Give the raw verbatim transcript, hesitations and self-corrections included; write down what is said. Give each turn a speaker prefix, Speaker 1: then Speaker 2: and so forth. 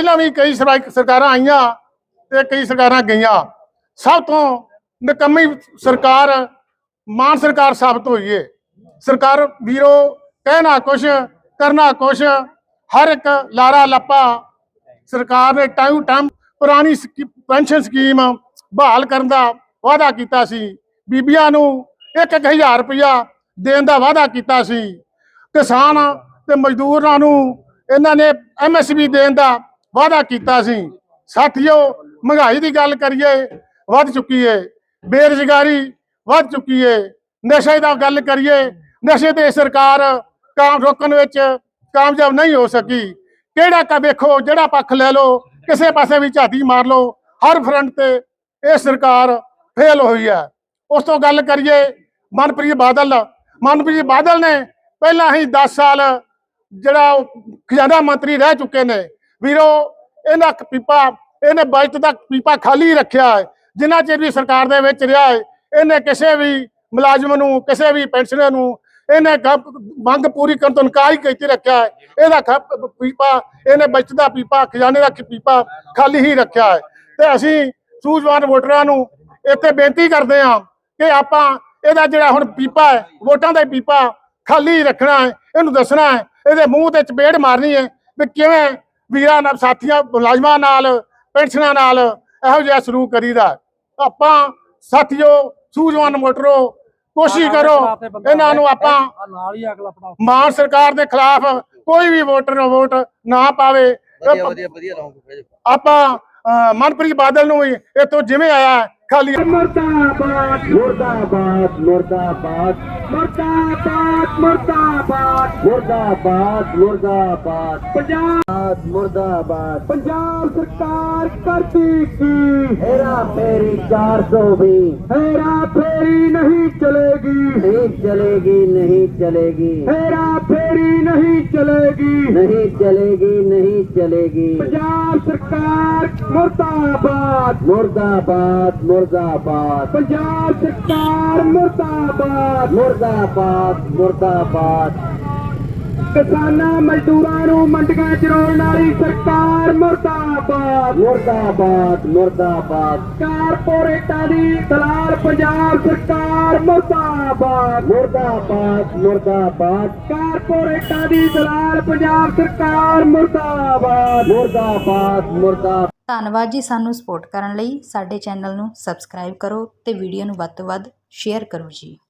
Speaker 1: ਪਹਿਲਾਂ ਵੀ ਕਈ ਸਰਕਾਰਾਂ ਆਈਆਂ ਤੇ ਕਈ ਸਰਕਾਰਾਂ ਗਈਆਂ। ਸਭ ਤੋਂ ਨਿਕੰਮੀ ਸਰਕਾਰ ਮਾਨ ਸਰਕਾਰ ਸਾਬਤ ਹੋਈ ਹੈ। ਸਰਕਾਰ ਵੀਰੋ ਕਹਿਣਾ कुछ करना कुछ, हर एक लारा लप्पा सरकार ने टाइम टाइम पुरानी पेंशन स्कीम बहाल करने का वादा किया सी। बीबियां नूं एक एक हज़ार रुपया देने का वादा किया सी। किसान ते मजदूरां नूं इन्हां ने एम एस पी देने का वादा किया सी। साथियों, महंगाई की गल करिए वध चुकी है, बेरोजगारी वध चुकी है। नशे की गल करिए, नशे ते सरकार काम रोकण विच कामयाब नहीं हो सकी। किहड़ा का वेखो जिहड़ा पक्ष लै लो, किसी पासे भी झाती मार लो, हर फ्रंट ते ये सरकार फेल हुई है। उस तो गल करिए मनप्रीत बादल मनप्रीत बादल ने पहला ही दस साल जिहड़ा खजाना मंत्री रह चुके ने। वीरो इन्हां पीपा इन्हें बजट का पीपा खाली रखा है। जिन्ना चिर भी सरकार दे विच रहा है, इन्हें किसी भी मुलाजम नूं किसी भी पेंशनर नूं इन्हें मंग पूरी करने तो इनकार ही करके रखा है। यदा पीपा इन्हें बचत का पीपा खजाने का पीपा खाली ही रखा है। तो असी सूझवान वोटरां नूं इत्थे बेनती करते हैं कि आपां इहदा जिहड़ा हुण पीपा है वोटां दा पीपा खाली रखना है, इहनूं दसना है, इहदे मूँह ते चपेड़ मारनी है भी किवें वीरां नाल साथियां मुलाजमां नाल पेंशनां नाल इहो जिहा सलूक करीदा। आपां साथियों सूझवान वोटरो कोशिश करो इन्हां नूं आपां मान सरकार के खिलाफ कोई भी वोटर वोट ना पावे। आपां मनप्रीत बादल नूं इत्थों जिवें आया खाली
Speaker 2: मुर्दाबाद मुर्दाबाद मुर्दाबाद मुर्दाबाद मुर्दाबाद मुर्दाबाद मुर्दाबाद पंजाब मुर्दाबाद पंजाब सरकार करती की हेरा फेरी चार सौ भी हेरा फेरी नहीं चलेगी नहीं चलेगी नहीं चलेगी हेरा फेरी नहीं चलेगी नहीं चलेगी नहीं चलेगी। पंजाब सरकार मुर्दाबाद मुर्दाबाद मुर्दाबाद पंजाब सरकार मुर्दाबाद मुर्दाबाद मुर्दाबाद। किसानां मजदूरां नूं मंडियां चराउण वाली सरकार मुर्दाबाद मुर्दाबाद मुर्दाबाद। कारपोरेटां दी दलाल पंजाब सरकार मुर्दाबाद मुर्दाबाद मुर्दाबाद। कारपोरेटां दी दलाल पंजाब सरकार मुर्दाबाद मुर्दाबाद मुर्दाबाद।
Speaker 3: ਧੰਨਵਾਦ ਜੀ। ਸਾਨੂੰ ਸਪੋਰਟ ਕਰਨ ਲਈ ਸਾਡੇ ਚੈਨਲ ਨੂੰ ਸਬਸਕ੍ਰਾਈਬ ਕਰੋ ਤੇ ਵੀਡੀਓ ਨੂੰ ਵੱਧ ਤੋਂ ਵੱਧ ਸ਼ੇਅਰ ਕਰੋ ਜੀ।